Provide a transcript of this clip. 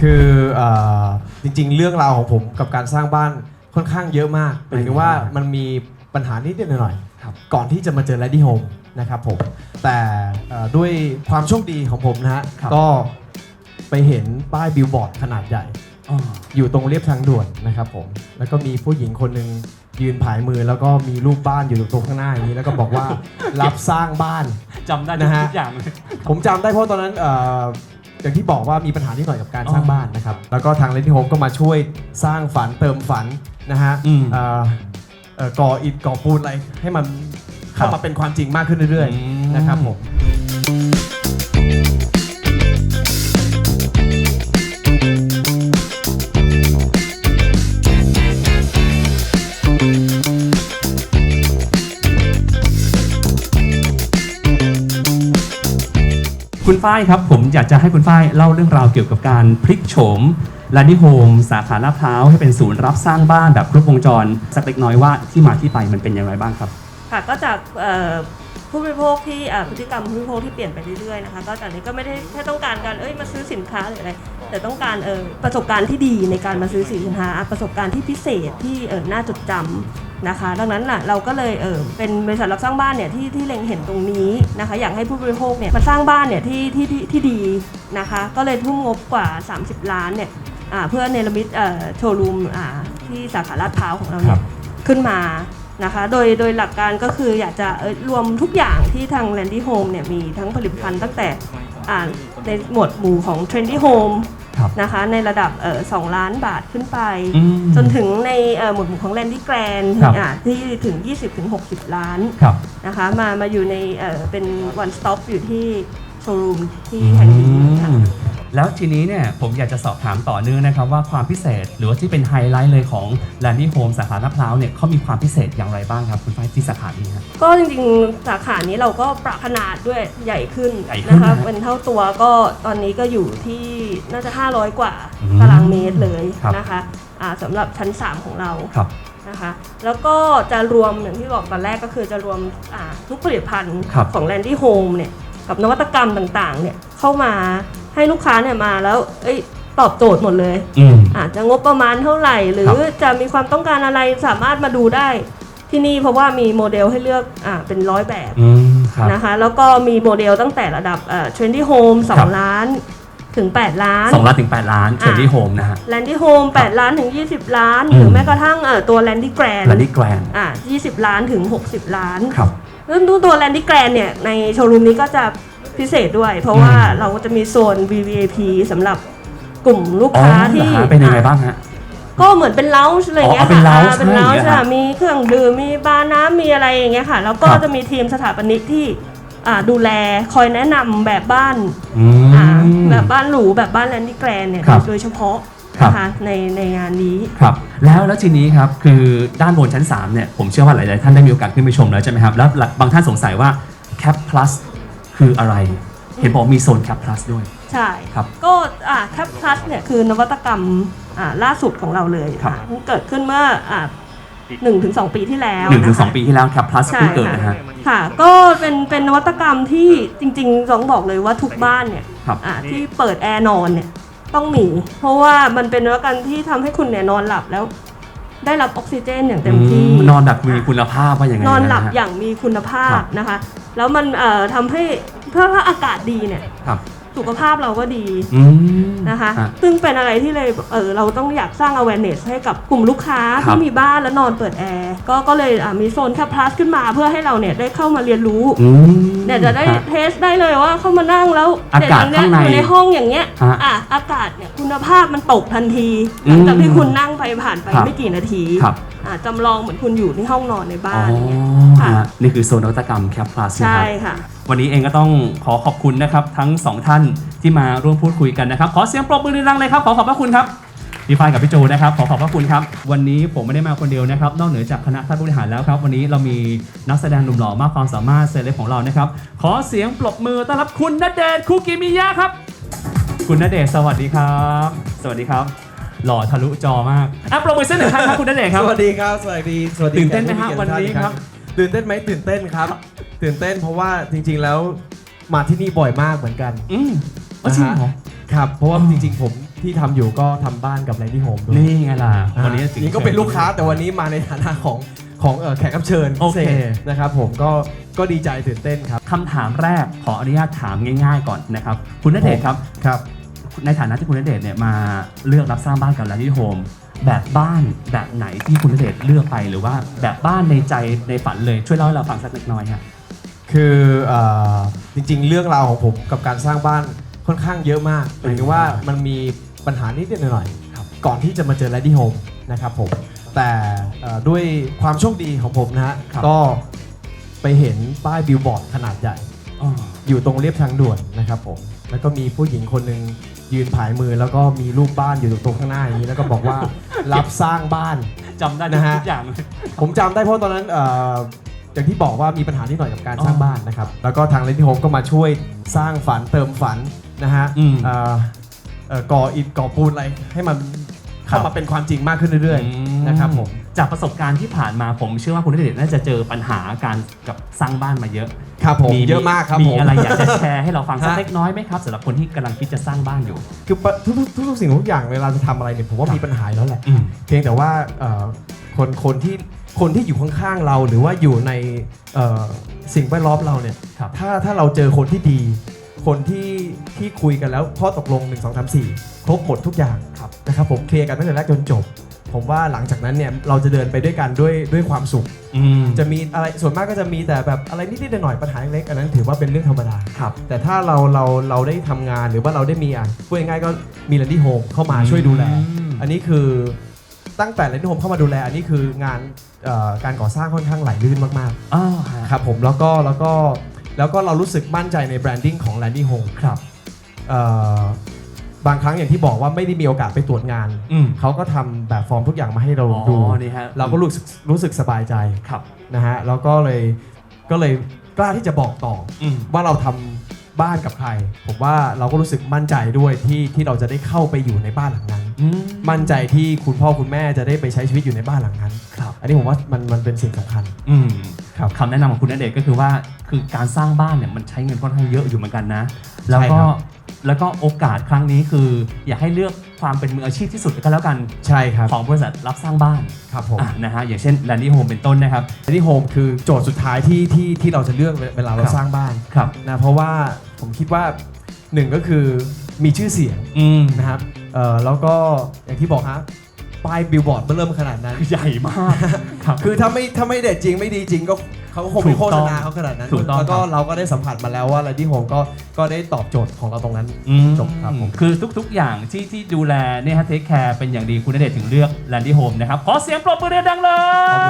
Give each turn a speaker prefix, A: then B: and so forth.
A: คือจริงๆเรื่องราวของผมกับการสร้างบ้านค่อนข้างเยอะมากหมายถึงว่ามันมีปัญหานิดๆหน่อยๆก่อนที่จะมาเจอ Lady Home นะครับผมแต่ด้วยความโชคดีของผมนะฮะก็ไปเห็นป้ายบิลบอร์ดขนาดใหญ่อยู่ตรงเรียบทางด่วนนะครับผมแล้วก็มีผู้หญิงคนหนึ่งยืนผายมือแล้วก็มีรูปบ้านอยู่ตรงข้างหน้าอย่างนี้แล้วก็บอกว่า รับสร้างบ้าน
B: จำได้ทุกอย่างเลย
A: ผมจำได้เพราะตอนนั้นอย่างที่บอกว่ามีปัญหานิดหน่อยกับการสร้างบ้านนะครับแล้วก็ทาง Lady Home ก็มาช่วยสร้างฝันเติมฝันนะฮะก่ออิฐก่อปูนอะไรให้มันเข้ามาเป็นความจริงมากขึ้นเรื่อยๆนะครับผม
B: คุณฝ้ายครับผมอยากจะให้คุณฝ้ายเล่าเรื่องราวเกี่ยวกับการพลิกโฉมLady Home สาขาลาดพร้าวให้เป็นศูนย์รับสร้างบ้านแบบครบวงจรสักเล็กน้อยว่าที่มาที่ไปมันเป็นอย่างไรบ้างครับ
C: ค่ะก็จากผู้บริโภคที่พฤติกรรมผู้บริโภคที่เปลี่ยนไปเรื่อยๆนะคะก็จากนี้ก็ไม่ได้แค่ต้องการการมาซื้อสินค้าหรืออะไรแต่ต้องการประสบการณ์ที่ดีในการมาซื้อสินค้าประสบการณ์ที่พิเศษที่น่าจดจำนะคะดังนั้นเราก็เลยเป็นบริษัทรับสร้างบ้านเนี่ยที่เล็งเห็นตรงนี้นะคะอยากให้ผู้บริโภคเนี่ยมาสร้างบ้านเนี่ยที่ดีนะคะก็เลยทุ่มงบกว่า30 ล้านเนี่ยเพื่อเนรมิตโชว์รูมที่สาขาลาดพร้าวของเราเนี่ยขึ้นมานะคะโดยหลักการก็คืออยากจะรวมทุกอย่างที่ทาง Lady Home เนี่ยมีทั้งผลิตภัณฑ์ตั้งแต่ในหมวดหมู่ของ Trendy Home นะคะในระดับ2 ล้านบาทขึ้นไปจนถึงในหมวดหมู่ของ Landy Grand ที่ถึง 20-60 ล้านนะคะมาอยู่ในเป็น one stop อยู่ที่โชว์รูมที่แห่งนี้ค่ะ
B: แล้วทีนี้เนี่ยผมอยากจะสอบถามต่อเนื่องนะครับว่าความพิเศษหรือว่าที่เป็นไฮไลท์เลยของ Lady Home สาขาลาดพร้าวเนี่ยเขามีความพิเศษอย่างไรบ้างครับคุณฝ้ายที่สาขานี้ครับ
C: ก็จริงๆสาขานี้เราก็ปรับขนาดด้วยใหญ่ขึ้นนะคะเป็นเท่าตัวก็ตอนนี้ก็อยู่ที่น่าจะ500 กว่าตารางเมตรเลยนะคะสำหรับชั้น3ของเรานะคะแล้วก็จะรวมอย่างที่บอกตอนแรกก็คือจะรวมทุกผลิตภัณฑ์ของ Lady Home เนี่ยกับนวัตกรรมต่างๆเนี่ยเข้ามาให้ลูกค้าเนี่ยมาแล้วตอบโจทย์หมดเลยอาจจะงบประมาณเท่าไหร่หรือจะมีความต้องการอะไรสามารถมาดูได้ที่นี่เพราะว่ามีโมเดลให้เลือกเป็น100 แบบนะคะแล้วก็มีโมเดลตั้งแต่ระดับTrendy Home 2 ล้านถึง8 ล้าน
B: 2 ล้านถึง8 ล้าน Trendy Home นะฮะ
C: Landy Home 8 ล้านถึง20 ล้านหรือแม้กระทั่งตัว Landy Grand 20 ล้านถึง60 ล้านแล้วตัว Landy Grand เนี่ยในโชว์รูมนี้ก็จะพิเศษด้วยเพราะว่าเราก็จะมีโซน VVIP สำหรับกลุ่มลูกค้าที่
B: เป็นยังไงบ้างฮะ
C: ก็เหมือนเป็นเลาส์อะไรเงี้ยค่ะเป็นเลาส์มีเครื่องดื่มมีบาร์น้ำมีอะไรอย่างเงี้ยค่ะแล้วก็จะมีทีมสถาปนิกที่ดูแลคอยแนะนำแบบบ้านแบบบ้านหรูแบบบ้าน Landy Grand เนี่ยโดยเฉพาะนะคะในงานนี้
B: ครับแล้วทีนี้ครับคือด้านบนชั้น3เนี่ยผมเชื่อว่าหลายๆท่านได้มีโอกาสขึ้นไปชมแล้วใช่ไหมครับแล้วบางท่านสงสัยว่า Cap Plusคืออะไรเห็นบอกมีโซน Cap Plus ด้วย
C: ใช่ครับก็Cap Plus เนี่ยคือนวัตกรรมล่าสุดของเราเลยเกิดขึ้นเมื่อ1-2 ปีที่แล้ว
B: 1-2 ปีที่แล้ว Cap Plus เพิ่งเกิดนะฮะ
C: ค่ะก็เป็นนวัตกรรมที่จริงๆต้องบอกเลยว่าทุกบ้านเนี่ยที่เปิดแอร์นอนเนี่ยต้องมีเพราะว่ามันเป็นนวัตกรรมที่ทำให้คุณเนี่ยนอนหลับแล้วได้รับออกซิเจนอย่างเต็มที่
B: นอนแบบมีคุณภาพว่าอย่างไร
C: นอนหลับอย่างมีคุณภาพนะคะแล้วมันทำให้ถ้าอากาศดีเนี่ยสุขภาพเราก็ดีนะคะซึ่งเป็นอะไรที่เลยเราต้องอยากสร้าง awareness ให้กับกลุ่มลูกค้าที่มีบ้านแล้วนอนเปิดแอร์ก็เลยมีโซนCap Plusขึ้นมาเพื่อให้เราเนี่ยได้เข้ามาเรียนรู้เนี่ยจะได้เทสได้เลยว่าเข้ามานั่งแล้ว
B: อากาศข้างใน
C: อยู่ในห้องอย่างเงี้ยอากาศเนี่ยคุณภาพมันตกทันทีหลังจากที่คุณนั่งไปผ่านไปไม่กี่นาทีจำลองเหมือนคุณอยู่ที่ห้องนอนในบ้าน
B: นี่คือโซนนวัตกรรม Cap Plus
C: ใช่ค่ะ
B: วันนี้เองก็ต้องขอขอบคุณนะครับทั้ง2 ท่านที่มาร่วมพูดคุยกันนะครับขอเสียงปรบมือดังๆเลยครับขอขอบพระคุณครับพี่ฝ้ายกับพี่โจนะครับขอขอบพระคุณครับวันนี้ผมไม่ได้มาคนเดียวนะครับนอกเหนือจากคณะท่านผู้บริหารแล้วครับวันนี้เรามีนักแสดงหนุ่มหล่อมากความสามารถเซเลบของเรานะครับขอเสียงปรบมือต้อนรับคุณณเดชน์ คุกิมิยะครับคุณณเดชน์สวัสดีครับสวัสดีครับหล่อทะลุจอมากปรบมือเส้นหนึ่งครั้งครับคุณณเดชน์ครับ
A: สวัสดีครับสวัสดี
B: ตื่นเต้นไหมครับวันนี้ครับ
A: ตื่นเต้นไหมตื่นเต้นครับตื่นเต้นเพราะว่าจริงๆแล้วมาที่นี่บ่อยมากเหมือนกัน
B: จริงเหรอ
A: ครับเพราะว่าจริงๆผมที่ทำอยู่ก็ทำบ้านกับแลนดี้โฮมด้วย
B: นี่ไงล่ะวันนี้ถึง
A: นี่ก็เป็นลูกค้าแต่วันนี้มาในฐานะของแขกรับเชิญ
B: โอ
A: พิ
B: เค
A: เศษนะครับผมก็ดีใจตื่นเต้นครับ
B: คำถามแรกขออนุญาตถามง่ายๆก่อนนะครับคุณณเดชน์ครับ
A: ครับ
B: ในฐานะที่คุณณเดชน์เนี่ยมาเลือกรับสร้างบ้านกับแลนดี้โฮมแบบบ้านแบบไหนที่คุณณเดชน์เลือกไปหรือว่าแบบบ้านในใจในฝันเลยช่วยเล่าให้เราฟังสักเล็กน้อยครับ
A: คือจริงๆเรื่องราวของผมกับการสร้างบ้านค่อนข้างเยอะมากหมายถึงว่ามันมีปัญหานิดๆหน่อยๆก่อนที่จะมาเจอแลนดี้โฮมนะครับผมแต่ด้วยความโชคดีของผมนะฮะ
B: ครับ
A: ก็ไปเห็นป้ายบิลบอร์ดขนาดใหญ่
B: อ๋อ
A: อยู่ตรงเรียบทางด่วนนะครับผมแล้วก็มีผู้หญิงคนหนึ่งยืนผายมือแล้วก็มีรูปบ้านอยู่ตรงข้างหน้าอย่างนี้แล้วก็บอกว่า รับสร้างบ้าน
B: จำได้
A: นะฮะ
B: ทุกอย่างเลย
A: ผมจำได้เพราะตอนนั้นอย่างที่บอกว่ามีปัญหานิดหน่อยกับการสร้าง
B: อ๋อ
A: บ้านนะครับแล้วก็ทางเลนที่โฮมก็มาช่วยสร้างฝันเติมฝันนะฮะ
B: อืม
A: ก่ออิฐก่อปูนอะไรให้มันเข้ามาเป็นความจริงมากขึ้นเรื่อยๆนะครับผม
B: จากประสบการณ์ที่ผ่านมาผมเชื่อว่าคุณณเดชน์น่าจะเจอปัญหาการกับสร้างบ้านมาเยอะ
A: ครับผมเยอะมากครับ
B: มี
A: ผม
B: อะไรอยากจะแชร์ให้เราฟังสัก
A: ฮะ
B: เล็กน้อยไหมครับสำหรับคนที่กำลังคิดจะสร้างบ้านอยู่
A: คือทุกสิ่งทุกอย่างเวลาจะทำอะไรเนี่ยผมว่ามีปัญหาอยู่แล้วแหละ
B: อืม
A: เพียงแต่ว่าคนที่อยู่ข้างๆเราหรือว่าอยู่ในสิ่งแวดล้อมเราเนี่ย
B: ครับ
A: ถ้าเราเจอคนที่ดี คนที่คุยกันแล้วข้อตกลง 1 2 3 4 ครบหมดทุกอย่างนะครับผมเคลียร์กันตั้งแต่แรกจนจบ ผมว่าหลังจากนั้นเนี่ยเราจะเดินไปด้วยกันด้วยความสุข
B: อืม
A: จะมีอะไรส่วนมากก็จะมีแต่แบบอะไรนิดๆหน่อยๆปัญหาเล็กๆอันนั้นถือว่าเป็นเรื่องธรรมดา
B: ครับ
A: แต่ถ้าเราได้ทำงานหรือว่าเราได้มีพูดง่ายๆก็มีแลนดี้โฮมเข้ามาช่วยดูแล อันนี้คือตั้งแต่แลนดี้โฮมเข้ามาดูแลอันนี้คืองานการก่อสร้างค่อนข้างไหลลื่นมาก
B: อ้าวฮะ
A: ๆครับผมแล้วก็เรารู้สึกมั่นใจในแบรนดิ้งของแลนดี้โฮม
B: ครับ
A: บางครั้งอย่างที่บอกว่าไม่ได้มีโอกาสไปตรวจงาน
B: อืม
A: เขาก็ทำแบบฟอร์มทุกอย่างมาให้เรา
B: อ๋อ
A: ดู
B: นี่ฮะ
A: เราก็รู้สึกสบายใจ
B: ครับ
A: นะฮะแล้วก็เลยกล้าที่จะบอกต่อ
B: อืม
A: ว่าเราทำบ้านกับใคร ผมว่าเราก็รู้สึกมั่นใจด้วยที่เราจะได้เข้าไปอยู่ในบ้านหลังนั้น
B: อืม
A: มั่นใจที่คุณพ่อคุณแม่จะได้ไปใช้ชีวิตอยู่ในบ้านหลังนั้น
B: ครับ
A: อันนี้ผมว่ามันเป็นสิ่งสำคัญ
B: อืม
A: ครับ
B: คำแนะนำของคุณณเดชน์ก็คือว่าคือการสร้างบ้านเนี่ยมันใช้เงินค่อนข้างเยอะอยู่เหมือนกันนะ แล้วก็
A: ใช่ครับ
B: แล้วก็โอกาสครั้งนี้คืออยากให้เลือกความเป็นมืออาชีพที่สุดก็แล้วกัน
A: ใช่ครับ
B: ของบริษัทรับสร้างบ้าน
A: ครับผม
B: นะฮะอย่างเช่นแลนดี้โฮมเป็นต้นนะครับ
A: แลนดี้โฮมคือโจทย์สุดท้ายที่เราจะเลือกเวลาเรา
B: ครับ
A: สร้างบ้าน
B: ครับ
A: นะเพราะว่าผมคิดว่าหนึ่งก็คือมีชื่อเสียง
B: อืม
A: นะครับแล้วก็อย่างที่บอกฮะป้ายบิลบอร์ดเริ่มขนาดนั้น
B: ใหญ่มากครับ
A: คือถ้าไม่เด็ดจริงไม่ดีจริงก็เขาก็คงไม่โฆษณาเขาขนาดนั้น
B: ถูกต้อง
A: แล้วก็
B: ครับ
A: เราก็ได้สัมผัสมาแล้วว่าแลนดี้โฮมก็ได้ตอบโจทย์ของเราตรงนั้น จบครับผม
B: คือทุกๆอย่างที่ดูแลเนี่ยฮะเทคแคร์เป็นอย่างดีคุณณเดชน์ถึงเลือกแลนดี้โฮมนะครับขอเสียงปรบมือดังๆเลย